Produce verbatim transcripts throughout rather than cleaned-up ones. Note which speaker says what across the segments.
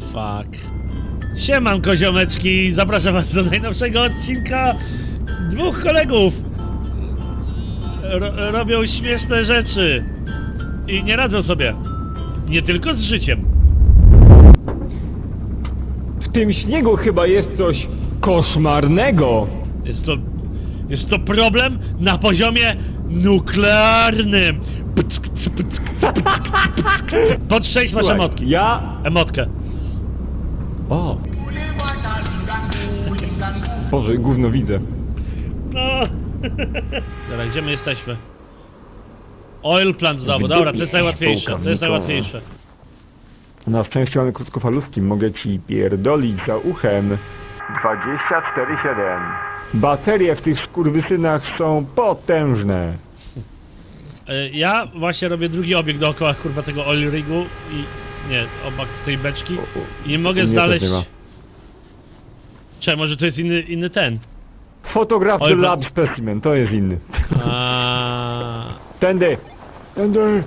Speaker 1: Fuck. Siemanko ziomeczki, zapraszam was do najnowszego odcinka. Dwóch kolegów ro robią śmieszne rzeczy i nie radzą sobie. Nie tylko z życiem.
Speaker 2: W tym śniegu chyba jest coś koszmarnego.
Speaker 1: Jest to... Jest to problem na poziomie nuklearnym. Pod sześć masz
Speaker 2: Słuchaj,
Speaker 1: emotki.
Speaker 2: ja...
Speaker 1: Emotkę.
Speaker 2: O. Boże, gówno widzę.
Speaker 1: No. Dobra, gdzie my jesteśmy? Oil plant znowu, dobra, to jest najłatwiejsze, to jest najłatwiejsze.
Speaker 3: Na szczęście mamy krótkofalówki, mogę ci pierdolić za uchem. dwadzieścia cztery siedem. Baterie w tych skurwysynach są potężne.
Speaker 1: Ja właśnie robię drugi obieg dookoła kurwa tego oil rigu i... Nie, obok tej beczki i nie mogę
Speaker 3: nie,
Speaker 1: znaleźć...
Speaker 3: nie ma.
Speaker 1: Czekaj, może to jest inny, inny ten?
Speaker 3: Fotograf
Speaker 1: Oj,
Speaker 3: the
Speaker 1: bo-
Speaker 3: lab specimen, to jest inny.
Speaker 1: A...
Speaker 3: Tędy! Tędy!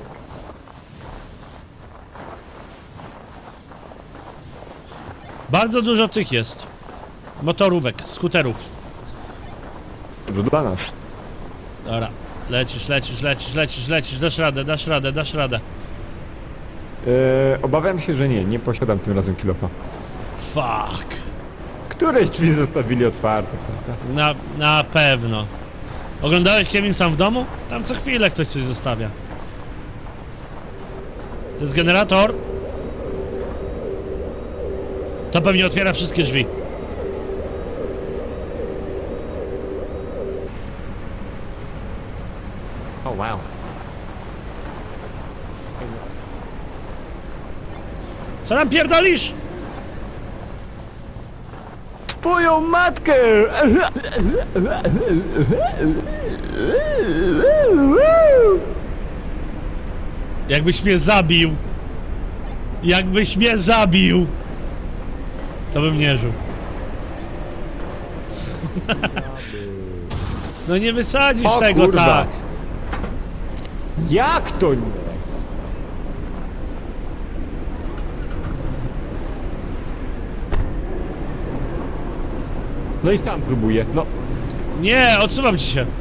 Speaker 1: Bardzo dużo tych jest. Motorówek, skuterów.
Speaker 3: To dla nas.
Speaker 1: Dobra, lecisz, lecisz, lecisz, lecisz, lecisz, dasz radę, dasz radę, dasz radę.
Speaker 2: Eee, obawiam się, że nie, nie posiadam tym razem kilofa.
Speaker 1: Fuck.
Speaker 2: Któreś drzwi zostawili otwarte, prawda?
Speaker 1: Na, na pewno. Oglądałeś Kevin sam w domu? Tam co chwilę ktoś coś zostawia. To jest generator. To pewnie otwiera wszystkie drzwi.
Speaker 2: O, oh, wow.
Speaker 1: Co nam pierdolisz?
Speaker 3: Twoją matkę!
Speaker 1: Jakbyś mnie zabił. Jakbyś mnie zabił. To bym nie żył. No nie wysadzisz
Speaker 2: O,
Speaker 1: tego
Speaker 2: kurwa.
Speaker 1: tak.
Speaker 2: Jak to nie? No i sam próbuję, no.
Speaker 1: Nie, odsuwam ci się.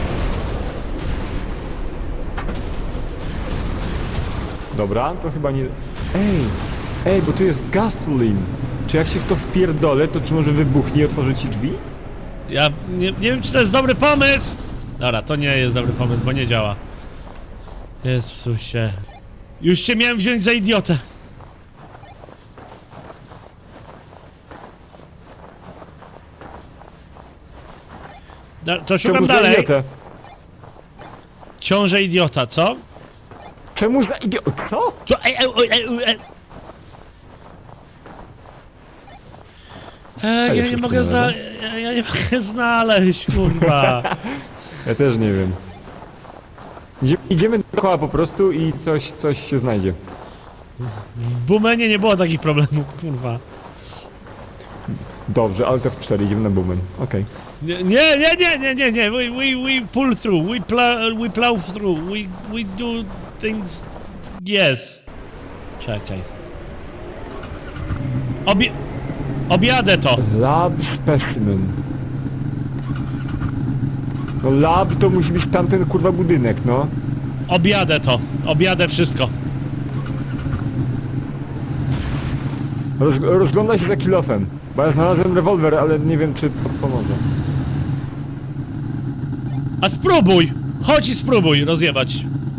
Speaker 2: Dobra, to chyba nie... Ej, ej, bo tu jest gasoline. Czy jak się w to wpierdolę, to czy może wybuchnie i otworzy ci drzwi?
Speaker 1: Ja nie, nie wiem, czy to jest dobry pomysł. Dobra, to nie jest dobry pomysł, bo nie działa. Jezusie. Już cię miałem wziąć za idiotę. Da, to szukam
Speaker 3: Czemu za
Speaker 1: dalej.
Speaker 3: idiotę?
Speaker 1: Ciąże idiota, co?
Speaker 3: Czemu za idiotę? Co?
Speaker 1: Co? Ej, ej, ej, ej, ej. Ej, ja nie
Speaker 3: jeszcze
Speaker 1: mogę
Speaker 3: nie
Speaker 1: znaleźć. Ja, ja nie mogę znaleźć, kurwa.
Speaker 2: Ja też nie wiem. Idziemy
Speaker 3: Idziemy...
Speaker 2: dookoła po prostu i coś, coś się znajdzie.
Speaker 1: W Bumenie nie było takich problemów, kurwa.
Speaker 2: Dobrze, ale to w cztery idziemy na Boomen. Okej.
Speaker 1: Nie, nie, nie, nie, nie, nie, nie. We, we, we pull through, we plow, we plow through, we, we do things... Yes. Czekaj. Obie... Objadę to.
Speaker 3: Lab specimen. No lab to musi być tamten kurwa budynek, no.
Speaker 1: Objadę to. Objadę wszystko.
Speaker 3: Roz, rozgląda się za kilofem. Bo ja znalazłem rewolwer, ale nie wiem czy...
Speaker 2: Pomoże.
Speaker 1: A spróbuj! Chodź i spróbuj rozjebać.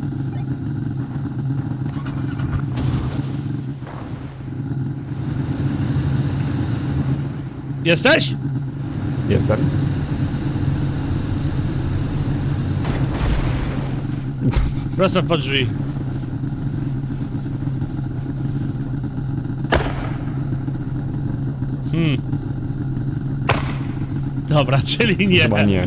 Speaker 1: Jesteś?
Speaker 2: Jestem.
Speaker 1: Prosto pod drzwi. Hmm. Dobra, czyli nie.
Speaker 2: Chyba nie.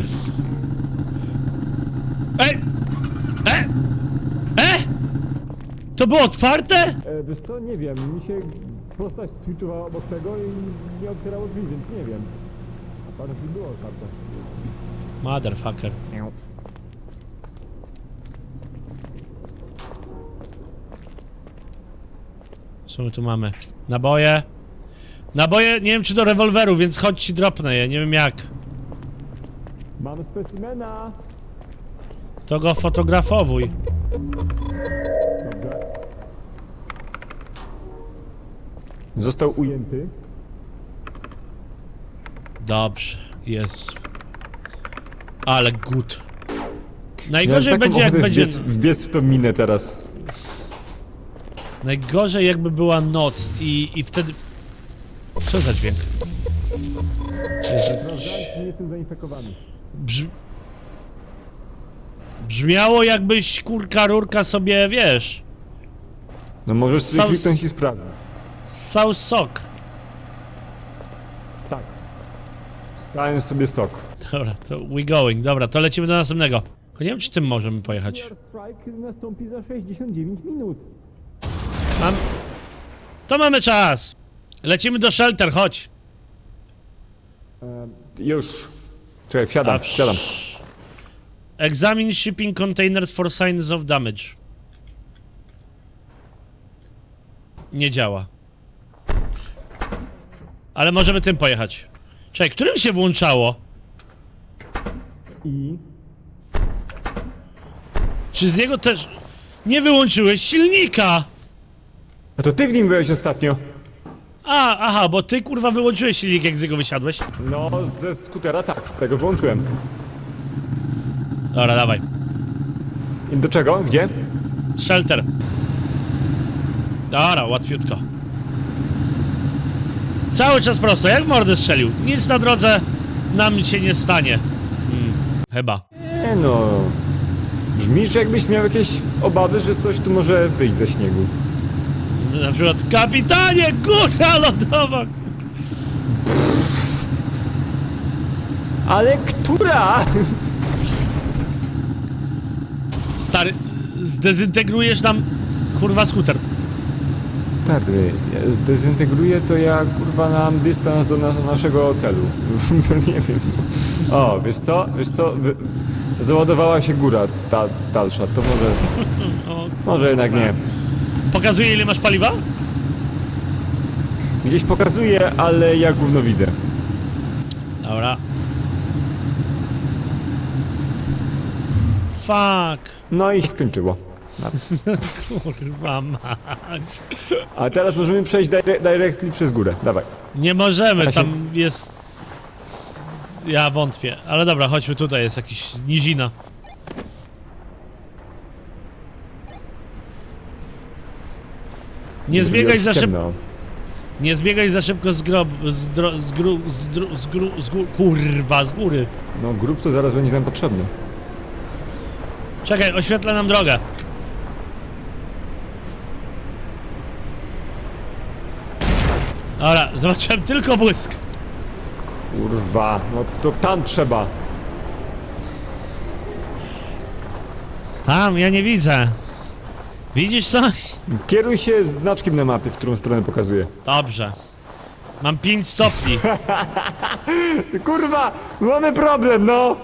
Speaker 1: Ej! E! E! To było otwarte?
Speaker 2: E, wiesz co, nie wiem, mi się postać twitchowała obok tego i nie otwierało drzwi, więc nie wiem. A parę drzwi było otwarte.
Speaker 1: Motherfucker. Co my tu mamy? Naboje. Naboje, nie wiem czy do rewolweru, więc chodź ci dropnę je, nie wiem jak.
Speaker 2: Mam specimena.
Speaker 1: To go fotografowuj.
Speaker 2: Dobrze. Został ujęty.
Speaker 1: Dobrze, jest. Ale good.
Speaker 2: Miałem
Speaker 1: Najgorzej
Speaker 2: taką
Speaker 1: będzie jak
Speaker 2: ochotę
Speaker 1: będzie...
Speaker 2: wbiec, wbiec w tą minę teraz.
Speaker 1: Najgorzej jakby była noc i, i wtedy... Co za dźwięk?
Speaker 2: Nie jestem zainfekowany.
Speaker 1: Brz... Brzmiało jakbyś kurka rurka sobie, wiesz...
Speaker 2: No możesz sobie
Speaker 1: South-
Speaker 2: kliknąć i sprawdzić.
Speaker 1: Ssał sok.
Speaker 2: Tak. Stałem sobie sok.
Speaker 1: Dobra, to we going. Dobra, to lecimy do następnego. Tylko nie wiem czy tym możemy pojechać.
Speaker 2: Strike nastąpi za sześćdziesiąt dziewięć minut.
Speaker 1: Mam... To mamy czas! Lecimy do shelter, chodź!
Speaker 2: Już. Czekaj, wsiadam,
Speaker 1: A
Speaker 2: wsiadam.
Speaker 1: Examine shipping containers for signs of damage. Nie działa. Ale możemy tym pojechać. Czekaj, którym się włączało?
Speaker 2: I...
Speaker 1: Czy z niego też... Nie wyłączyłeś silnika!
Speaker 2: A to ty w nim byłeś ostatnio.
Speaker 1: A, aha, bo ty kurwa wyłączyłeś silnik jak z niego wysiadłeś.
Speaker 2: No, ze skutera tak, z tego włączyłem.
Speaker 1: Dobra, dawaj.
Speaker 2: I do czego? Gdzie?
Speaker 1: Shelter. Dobra, łatwiutko. Cały czas prosto, jak mordę strzelił. Nic na drodze nam się nie stanie. Hmm, chyba.
Speaker 2: Nie no... Brzmisz jakbyś miał jakieś obawy, że coś tu może wyjść ze śniegu.
Speaker 1: Na przykład, kapitanie, góra lodowa!
Speaker 2: Ale która?
Speaker 1: Stary, zdezintegrujesz nam, kurwa, skuter.
Speaker 2: Stary, ja zdezintegruję to ja kurwa nam dystans do nas naszego celu. Nie wiem. O, wiesz co? Wiesz co? Wy... Załadowała się góra ta dalsza, to może...
Speaker 1: O,
Speaker 2: Może jednak nie.
Speaker 1: pokazuje ile masz paliwa?
Speaker 2: Gdzieś pokazuje, ale ja gówno widzę.
Speaker 1: Dobra. Fuck.
Speaker 2: No i się skończyło.
Speaker 1: Kurwa mać.
Speaker 2: A teraz możemy przejść dire directly przez górę. Dawaj.
Speaker 1: Nie możemy,
Speaker 2: Ja się-
Speaker 1: tam jest... s- Ja wątpię, ale dobra, chodźmy tutaj, jest jakiś nizina. Nie zbiegaj za szybko,
Speaker 2: Ciemno.
Speaker 1: nie zbiegaj za szybko z grob, z, dro, z gru, z, dru, z, gru, z gór, kurwa, z góry.
Speaker 2: No grób to zaraz będzie nam potrzebny.
Speaker 1: Czekaj, oświetla nam drogę. Dobra, zobaczyłem tylko błysk.
Speaker 2: Kurwa, no to tam trzeba.
Speaker 1: Tam, ja nie widzę. Widzisz coś?
Speaker 2: Kieruj się znaczkiem na mapie, w którą stronę pokazuje.
Speaker 1: Dobrze. Mam pięć stopni.
Speaker 2: Kurwa, mamy problem, no!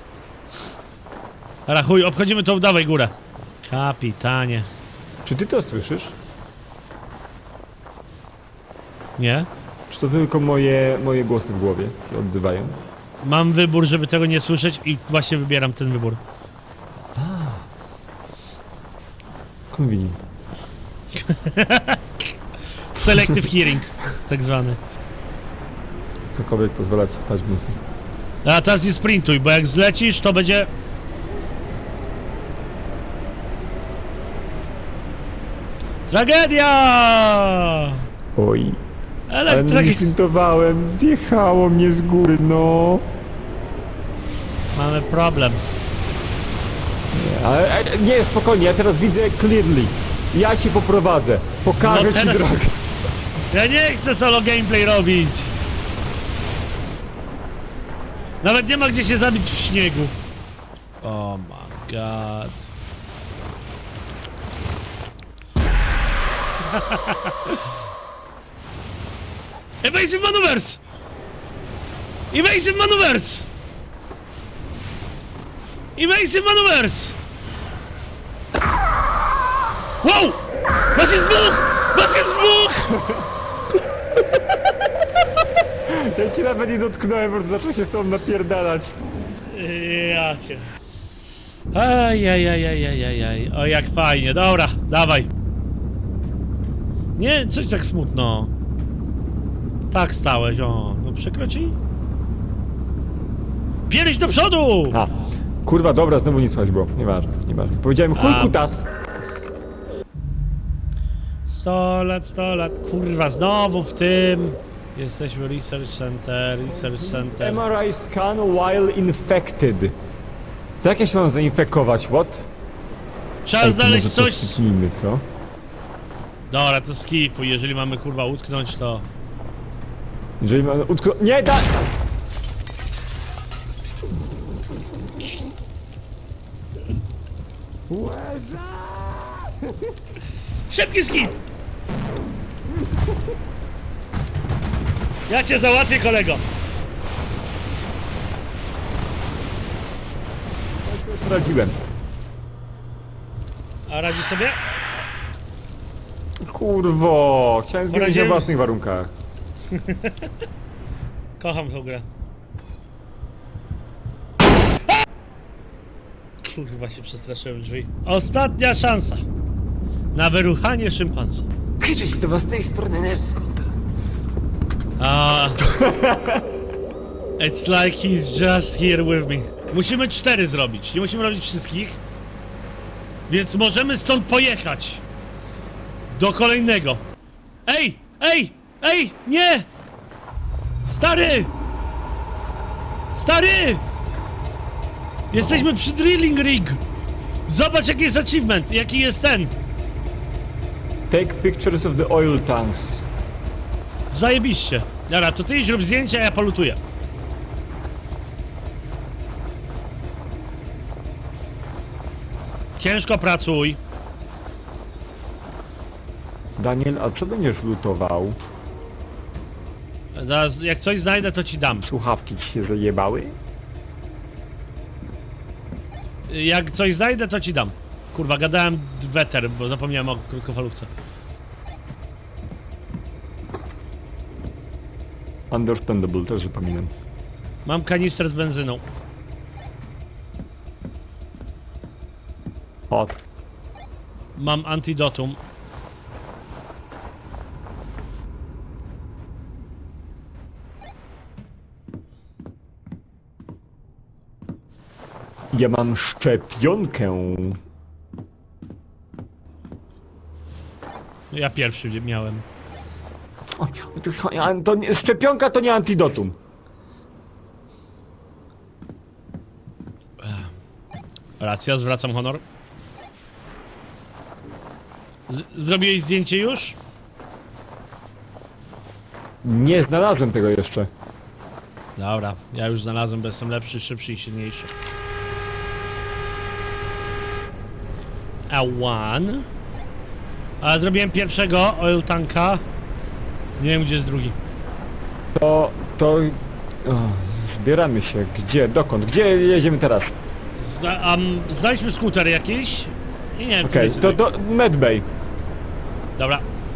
Speaker 1: Dobra, chuj, obchodzimy tą, dawaj górę. Kapitanie.
Speaker 2: Czy ty to słyszysz?
Speaker 1: Nie?
Speaker 2: Czy to tylko moje, moje głosy w głowie się odzywają?
Speaker 1: Mam wybór, żeby tego nie słyszeć i właśnie wybieram ten wybór.
Speaker 2: Convenient.
Speaker 1: Selective hearing, tak zwany.
Speaker 2: Cokolwiek pozwala ci spać w nocy.
Speaker 1: A teraz nie sprintuj, bo jak zlecisz, to będzie... Tragedia!
Speaker 2: Oj. Ale nie
Speaker 1: Elektragi...
Speaker 2: sprintowałem, zjechało mnie z góry, no.
Speaker 1: Mamy problem.
Speaker 2: Nie, ale ale nie, spokojnie, ja teraz widzę clearly. Ja ci poprowadzę, pokażę
Speaker 1: No
Speaker 2: ci
Speaker 1: teraz-
Speaker 2: drogę.
Speaker 1: Ja nie chcę solo gameplay robić. Nawet nie ma gdzie się zabić w śniegu. Oh my god. Evasive maneuvers! Evasive maneuvers! Evasive maneuvers! Wow! Was jest dwóch! Was jest dwóch!
Speaker 2: Ja cię nawet nie dotknąłem, bo zaczął się z tobą napierdalać.
Speaker 1: Ja cię. Ajajajajajajaj. O, jak fajnie. Dobra, dawaj. Nie, coś tak smutno. Tak stałeś, o. No przekroci. Pierś do przodu!
Speaker 2: A, kurwa, dobra, znowu nie słychać było. Nieważne, nieważne. Powiedziałem chuj
Speaker 1: A.
Speaker 2: kutas.
Speaker 1: sto lat, sto lat. Kurwa, znowu w tym. Jesteśmy Research Center, Research Center.
Speaker 2: M R I scan while infected. To jak ja się mam zainfekować, what?
Speaker 1: Trzeba
Speaker 2: Ej, to
Speaker 1: znaleźć
Speaker 2: może to
Speaker 1: coś...
Speaker 2: skipnijmy, co?
Speaker 1: Dobra, to skipuj. Jeżeli mamy kurwa utknąć, to...
Speaker 2: Jeżeli mamy utknąć... Nie, da...
Speaker 1: Szybki skip! Ja cię załatwię, kolego.
Speaker 2: Radziłem.
Speaker 1: A radzi sobie?
Speaker 2: Kurwo, chciałem zginąć na
Speaker 1: Poradziłem?
Speaker 2: własnych warunkach.
Speaker 1: Kocham tą grę. Kurwa, się przestraszyłem drzwi. Ostatnia szansa na wyruchanie szympansa.
Speaker 2: Krzycz do was z tej strony Neskota.
Speaker 1: A. It's like he's just here with me. Musimy cztery zrobić, nie musimy robić wszystkich. Więc możemy stąd pojechać. Do kolejnego. Ej! Ej! Ej! Nie! Stary! Stary! Jesteśmy przy drilling rig. Zobacz, jaki jest achievement, jaki jest ten.
Speaker 2: Take pictures of the oil tanks.
Speaker 1: Zajebiście. Dobra, to ty idź rób zdjęcia, a ja polutuję. Ciężko pracuj.
Speaker 3: Daniel, a co będziesz lutował?
Speaker 1: Zaraz, jak coś znajdę, to ci dam.
Speaker 3: Słuchawki ci się zajebały?
Speaker 1: Jak coś znajdę, to ci dam. Kurwa, gadałem weter, bo zapomniałem o krótkofalówce.
Speaker 3: Understandable, też zapominam.
Speaker 1: Mam kanister z benzyną.
Speaker 3: Hot.
Speaker 1: Mam antidotum.
Speaker 3: Ja mam szczepionkę.
Speaker 1: Ja pierwszy miałem.
Speaker 3: O, to, to nie, szczepionka to nie antidotum.
Speaker 1: Racja, zwracam honor. Z zrobiłeś zdjęcie już?
Speaker 3: Nie znalazłem tego jeszcze.
Speaker 1: Dobra, ja już znalazłem, bo jestem lepszy, szybszy i silniejszy. A one. A zrobiłem pierwszego oil tanka. Nie wiem, gdzie jest drugi.
Speaker 3: To... to... O, zbieramy się. Gdzie? Dokąd? Gdzie jedziemy teraz?
Speaker 1: Zna um, znajdźmy skuter jakiś. I nie wiem,
Speaker 3: Okej,
Speaker 1: okay,
Speaker 3: to do Medbay.
Speaker 1: Dobra.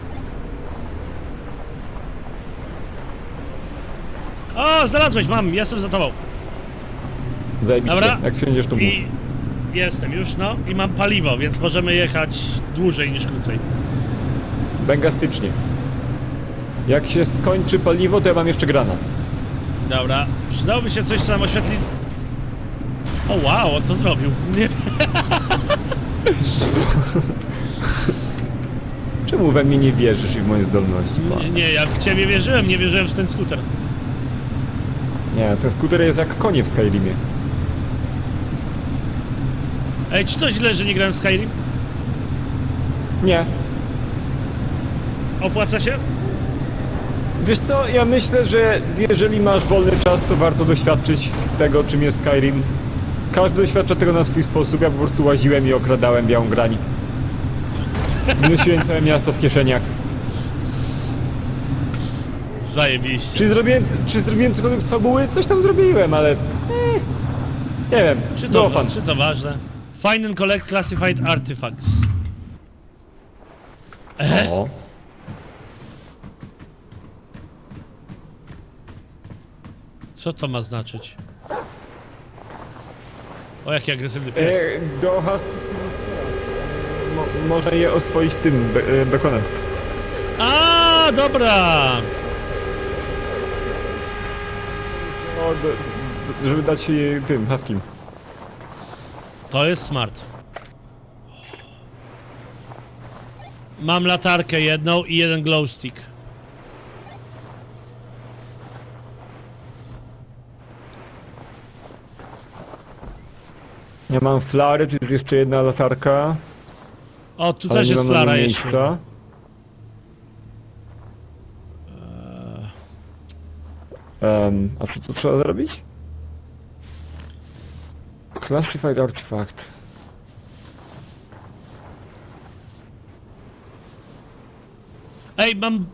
Speaker 1: O, znalazłeś, mam, jestem za tobą.
Speaker 2: Zajebiście,
Speaker 1: Dobra.
Speaker 2: jak wsiądziesz to mów.
Speaker 1: I jestem już, no. I mam paliwo, więc możemy jechać dłużej niż krócej.
Speaker 2: Bęgastycznie. Jak się skończy paliwo, to ja mam jeszcze granat.
Speaker 1: Dobra, przydałoby się coś, co nam oświetli... O wow, co zrobił? Nie
Speaker 2: Czemu we mnie nie wierzysz i w moje zdolności?
Speaker 1: Nie, nie, ja w ciebie wierzyłem, nie wierzyłem w ten skuter.
Speaker 2: Nie, ten skuter jest jak konie w Skyrimie.
Speaker 1: Ej, czy to źle, że nie grałem w Skyrim?
Speaker 2: Nie.
Speaker 1: Opłaca się?
Speaker 2: Wiesz co, ja myślę, że jeżeli masz wolny czas, to warto doświadczyć tego, czym jest Skyrim. Każdy doświadcza tego na swój sposób, ja po prostu łaziłem i okradałem białą grani. Wynosiłem całe miasto w kieszeniach.
Speaker 1: Zajebiście.
Speaker 2: Czy zrobiłem, czy zrobiłem cokolwiek z fabuły? Coś tam zrobiłem, ale... Eh, nie wiem,
Speaker 1: Czy
Speaker 2: no
Speaker 1: to,
Speaker 2: fan.
Speaker 1: czy to ważne? Find and collect classified artifacts.
Speaker 2: O.
Speaker 1: Co to ma znaczyć? O, jaki agresywny pies.
Speaker 2: E, do has... Mo, można je oswoić tym, be, e, bekonem.
Speaker 1: A, dobra!
Speaker 2: O, do, do, żeby dać je tym, huskim.
Speaker 1: To jest smart. Mam latarkę jedną i jeden glow stick.
Speaker 3: Ja mam flary, tu jest jeszcze jedna latarka.
Speaker 1: O, tu
Speaker 3: Ale
Speaker 1: też
Speaker 3: nie
Speaker 1: jest
Speaker 3: mam na
Speaker 1: flara
Speaker 3: nią
Speaker 1: jeszcze.
Speaker 3: miejsca. Um, a co tu trzeba zrobić? Classified artifact.
Speaker 1: Ej, mam...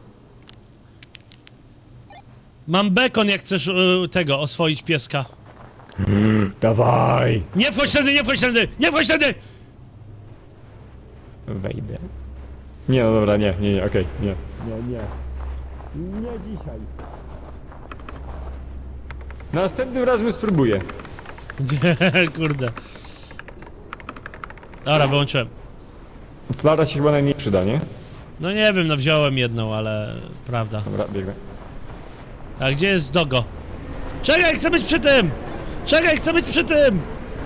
Speaker 1: Mam bekon, jak chcesz y, tego, oswoić pieska.
Speaker 3: Dawaj!
Speaker 1: Nie wchodź tędy, nie wchodź tędy, nie wchodź tędy!
Speaker 2: Wejdę. Nie, no dobra, nie, nie, nie, okej, nie. Nie, nie. Nie dzisiaj. Następnym razem spróbuję.
Speaker 1: Nie, kurde. Dobra, wyłączyłem.
Speaker 2: Flara się chyba najmniej przyda, nie?
Speaker 1: No nie wiem, no wziąłem jedną, ale... Prawda.
Speaker 2: Dobra, biegnę.
Speaker 1: A gdzie jest Dogo? Czekaj, chcę być przy tym! Czekaj, chcę być przy tym!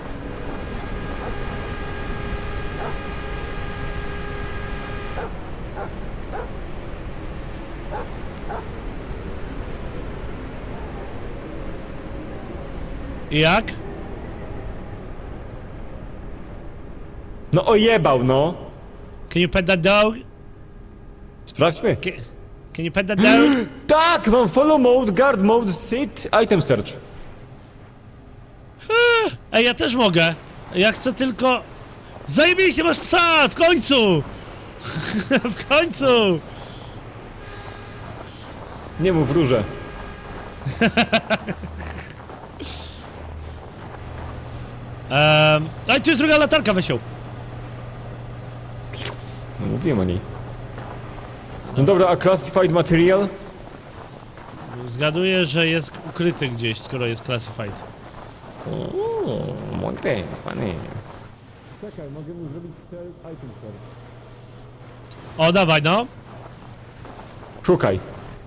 Speaker 1: I jak?
Speaker 2: No ojebał, no!
Speaker 1: Can you pet that dog?
Speaker 2: Sprawdźmy.
Speaker 1: Can, can you pet that dog?
Speaker 2: Tak, mam follow mode, guard mode, sit, item search.
Speaker 1: Ej, ja też mogę. Ja chcę tylko... Zajebiście, masz psa! W końcu! W końcu!
Speaker 2: Nie mów róże.
Speaker 1: Um, a tu jest druga latarka, Wesiu.
Speaker 2: No mówiłem o niej. No dobra, a classified material?
Speaker 1: Zgaduję, że jest ukryty gdzieś, skoro jest classified.
Speaker 2: Ooo, mądre, panie.
Speaker 4: Czekaj, mogę mu zrobić cel item search.
Speaker 1: O, dawaj, no.
Speaker 2: Szukaj.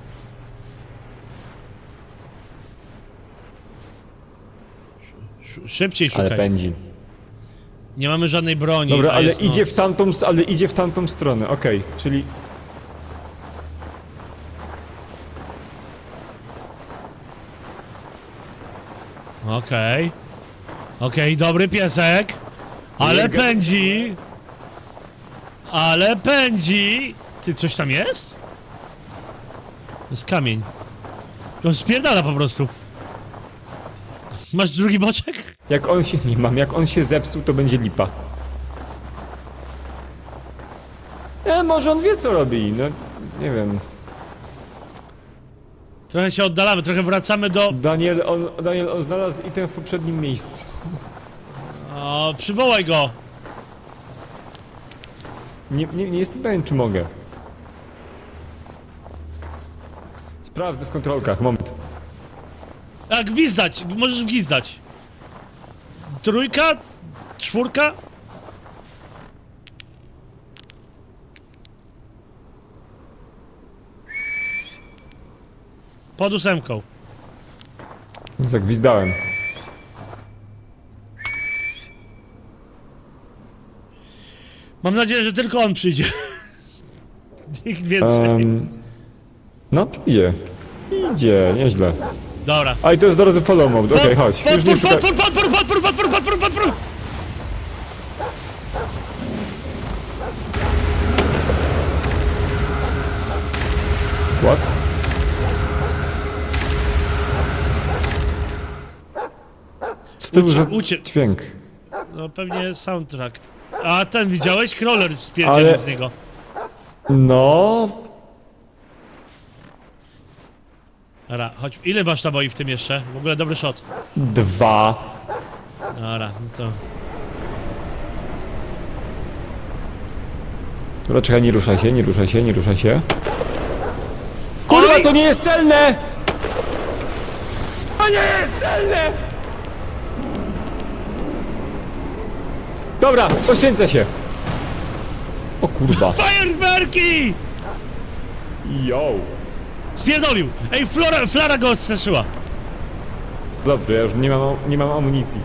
Speaker 1: Sz- Szybciej
Speaker 2: Ale
Speaker 1: szukaj.
Speaker 2: pędzi.
Speaker 1: Nie mamy żadnej broni.
Speaker 2: Dobra,
Speaker 1: a
Speaker 2: ale
Speaker 1: jest
Speaker 2: idzie
Speaker 1: noc.
Speaker 2: w tamtą, s- ale idzie w tamtą stronę, okej, czyli...
Speaker 1: Okej. Okej, dobry piesek. Ale
Speaker 2: Nie ga-
Speaker 1: pędzi. Ale pędzi. Ty, coś tam jest? To jest kamień. On spierdala po prostu. Masz drugi boczek?
Speaker 2: Jak on się, nie mam, jak on się zepsuł, to będzie lipa. E, może on wie co robi, no, nie wiem.
Speaker 1: Trochę się oddalamy, trochę wracamy do...
Speaker 2: Daniel, on, Daniel, on znalazł item w poprzednim miejscu.
Speaker 1: O, przywołaj go.
Speaker 2: Nie, nie, nie jestem pewien, czy mogę. Sprawdzę w kontrolkach, moment.
Speaker 1: A, gwizdać, możesz gwizdać. Trójka? Czwórka? Pod ósemką.
Speaker 2: Zagwizdałem.
Speaker 1: Mam nadzieję, że tylko on przyjdzie. Nikt więcej.
Speaker 2: Um, no, idzie. Idzie, nieźle.
Speaker 1: Dobra.
Speaker 2: A i to jest do razu follow mode, okej, chodź. Już nie
Speaker 1: Potwór,
Speaker 2: szukaj...
Speaker 1: potwór, potwór, potwór, potwór, potwór, potwór!
Speaker 2: What? Co to był za
Speaker 1: ucie-
Speaker 2: dźwięk?
Speaker 1: No pewnie soundtrack. A ten widziałeś? Crawler spierdzielił
Speaker 2: Ale-
Speaker 1: z niego.
Speaker 2: No...
Speaker 1: Dobra, chodź. Ile masz naboi w tym jeszcze? W ogóle dobry shot.
Speaker 2: Dwa.
Speaker 1: Dobra, no to...
Speaker 2: Dobra, czekaj, nie ruszaj się, nie ruszaj się, nie ruszaj się. Kurwa,
Speaker 1: Oj!
Speaker 2: to nie jest celne! To nie jest celne! Dobra, poświęcę się. O kurwa.
Speaker 1: Fajerwerki!
Speaker 2: Yo.
Speaker 1: Spierdolił! Ej, Flora, Flara go odstraszyła.
Speaker 2: Dobrze, ja już nie mam, nie mam amunicji.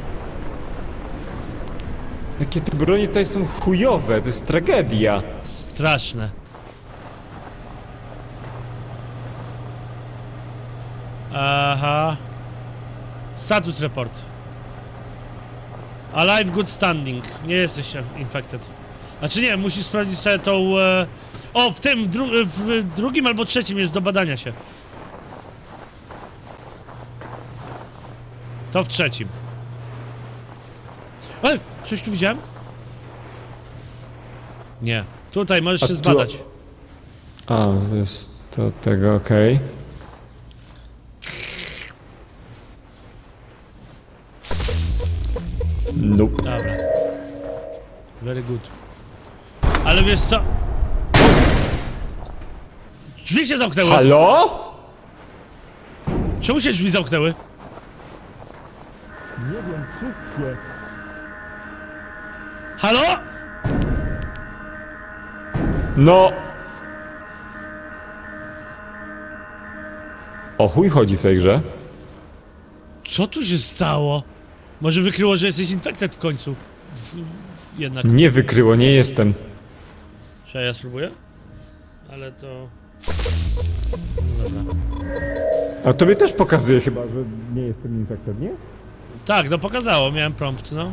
Speaker 2: Jakie te bronie tutaj są chujowe, to jest tragedia.
Speaker 1: Straszne. Aha. Status report. Alive good standing. Nie jesteś infected. Znaczy nie, musisz sprawdzić sobie tą... E... O, w tym, dru w drugim albo trzecim jest do badania się. To w trzecim. Ej, coś tu widziałem? Nie. Tutaj możesz
Speaker 2: A
Speaker 1: się
Speaker 2: tu-
Speaker 1: zbadać.
Speaker 2: A, to jest to tego, okej. Nope.
Speaker 1: Dobra. Very good. Ale wiesz co? Drzwi się zamknęły!
Speaker 2: Halo?
Speaker 1: Czemu się drzwi zamknęły?
Speaker 4: Nie wiem, wszystkie.
Speaker 1: Halo?
Speaker 2: No. O chuj chodzi w tej grze.
Speaker 1: Co tu się stało? Może wykryło, że jesteś infected w końcu? W, w, jednak.
Speaker 2: Nie wykryło, nie jestem.
Speaker 1: Czy ja spróbuję? Ale to... No dobra.
Speaker 2: A tobie też pokazuje chyba.
Speaker 4: Chyba, że nie jestem infected, nie?
Speaker 1: Tak, no pokazało, miałem prompt, no.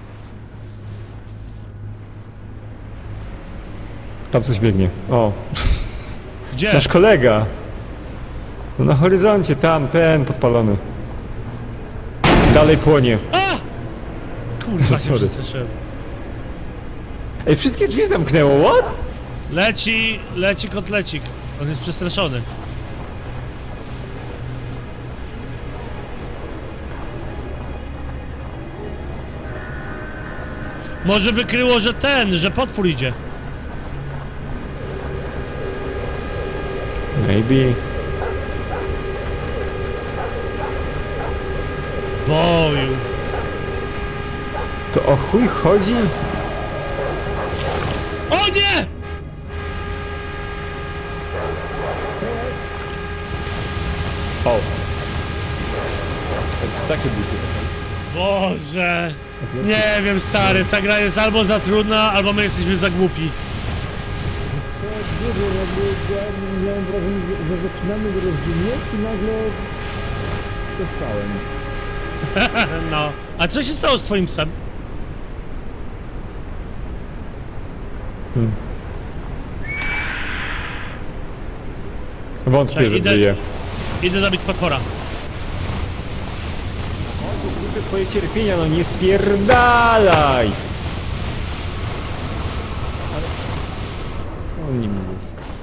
Speaker 2: Tam coś biegnie. O,
Speaker 1: Gdzie?
Speaker 2: nasz kolega. No na horyzoncie, tam, ten podpalony. Dalej płonie.
Speaker 1: A! Kurwa, się
Speaker 2: Sorry.
Speaker 1: przestraszyłem.
Speaker 2: Ej, wszystkie drzwi zamknęło, what?
Speaker 1: Leci, leci kotlecik. On jest przestraszony. Może wykryło, że ten, że potwór idzie.
Speaker 2: Maybe.
Speaker 1: Boju.
Speaker 2: To o chuj chodzi?
Speaker 1: O nie!
Speaker 2: O. To takie buty.
Speaker 1: Boże. Nie wiem, stary, ta gra jest albo za trudna, albo my jesteśmy za głupi.
Speaker 4: Nie wiem, jakby ja miałem wrażenie, że, że zaczynamy rozumieć i nagle przestałem.
Speaker 1: No. A co się stało z twoim psem?
Speaker 2: Wątpię,
Speaker 1: Czekaj,
Speaker 2: że
Speaker 1: idę-
Speaker 2: żyje.
Speaker 1: Idę zabić potwora.
Speaker 2: Wrócę twoje cierpienia, no nie spierdalaj! On nie mówi.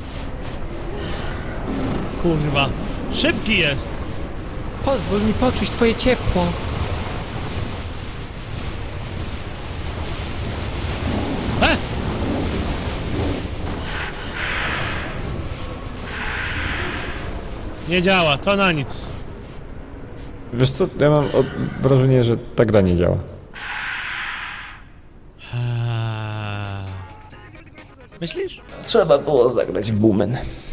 Speaker 1: Kurwa. Szybki jest.
Speaker 2: Pozwól mi poczuć twoje ciepło.
Speaker 1: E! Nie działa, to na nic.
Speaker 2: Wiesz co, ja mam od... wrażenie, że ta gra nie działa.
Speaker 1: Eee. Myślisz?
Speaker 2: Trzeba było zagrać w Boomen.